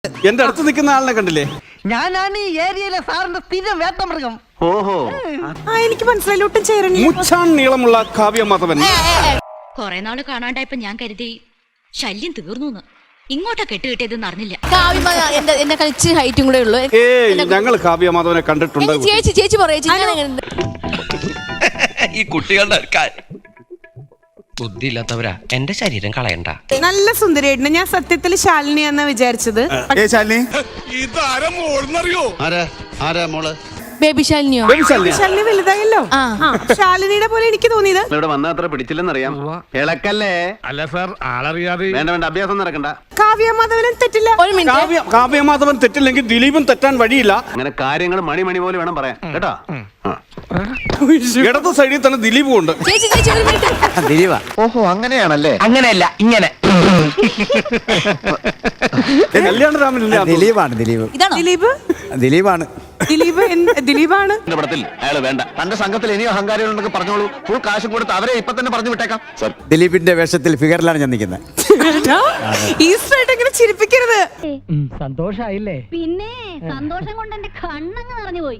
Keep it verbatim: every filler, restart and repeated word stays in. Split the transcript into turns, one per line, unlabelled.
എന്റെ അടുത്ത് നിൽക്കുന്ന ആളിനെ കണ്ടില്ലേ?
ഞാനാണ് ഈ ഏരിയയിലെ സാറിന്റെ സ്ഥിരം വേട്ടമൃഗം.
ഓഹോ,
ആ എനിക്ക് മനസ്സിലായി. ഒട്ടും ചേരണില്ല.
മുച്ചാൻ നീളമുള്ള കാവ്യ മാധവൻ.
കൊറേ നാള് കാണാണ്ടായപ്പോ ഞാൻ കരുതി ശല്യം തീർന്നു. ഇങ്ങോട്ടാ കെട്ടുകിട്ടിയതെന്ന് അറിഞ്ഞില്ല.
എന്റെ എന്നെ കളിച്ച് ഹൈറ്റും കൂടെ ഉള്ളു.
ഏയ്, ഞങ്ങൾ കാവ്യ മാധവനെ കണ്ടിട്ടുണ്ട്.
ചേച്ചി ചേച്ചി പറയാ
ഈ കുട്ടികളുടെ ബുദ്ധിയില്ലാത്തവരാ. എന്റെ ശരീരം കളയണ്ട.
നല്ല സുന്ദരിയായിട്ടുണ്ട്. ഞാൻ സത്യത്തിൽ ശാലിനി എന്നാ വിചാരിച്ചത്.
ബേബി ശാലിനിയോ?
ശാലിനി വലുതായല്ലോ. ശാലിനിയുടെ പോലെ എനിക്ക് തോന്നിയത്.
ഇവിടെ വന്ന അത്ര പിടിച്ചില്ലെന്നറിയാം. ഇളക്കല്ലേ?
അല്ല സാർ, ആളറിയാതെ
വേണ്ട വേണ്ട, അഭ്യാസം നടക്കണ്ട.
കാവ്യ മാധവനും തെറ്റില്ല.
ഒരു മിനിറ്റ്.
കാവ്യ മാധവൻ തെറ്റില്ലെങ്കിൽ ദിലീപും തെറ്റാൻ വഴിയില്ല.
അങ്ങനെ കാര്യങ്ങൾ മണി മണി പോലെ വേണം പറയാൻ, കേട്ടോ.
ഇടത് സൈഡിൽ തന്നെ ദിലീപും ഉണ്ട്.
ചേച്ചി ചേച്ചി ഒരു മിനിറ്റ്.
ദിലീപ. ഓഹോ, അങ്ങനെയാണല്ലേ?
അങ്ങനെയല്ല, ഇങ്ങനെ.
കല്യാണരാമനില്ല,
ദിലീപാണ്. ദിലീപ്
ഇതാണോ
ദിലീപ്?
ദിലീപാണ്.
ദിലീപ് ദിലീപാണ്.
പടത്തിൽ അയാള് വേണ്ട. തന്റെ സംഘത്തിൽ ഇനിയും അഹങ്കാരികളുണ്ടെങ്കിൽ പറഞ്ഞോളൂ. ഫുൾ കാശും കൊടുത്ത് അവരെ ഇപ്പൊ തന്നെ പറഞ്ഞു വിട്ടേക്കാം.
ദിലീപിന്റെ വേഷത്തിൽ ഫിഗറിലാണ് ഞാൻ നിൽക്കുന്നത്.
ഈസ്റ്ററായിട്ട് ഇങ്ങനെ ചിരിപ്പിക്കരുത്.
സന്തോഷായില്ലേ?
പിന്നെ സന്തോഷം കൊണ്ട് എന്റെ കണ്ണങ്ങ് നിറഞ്ഞു പോയി.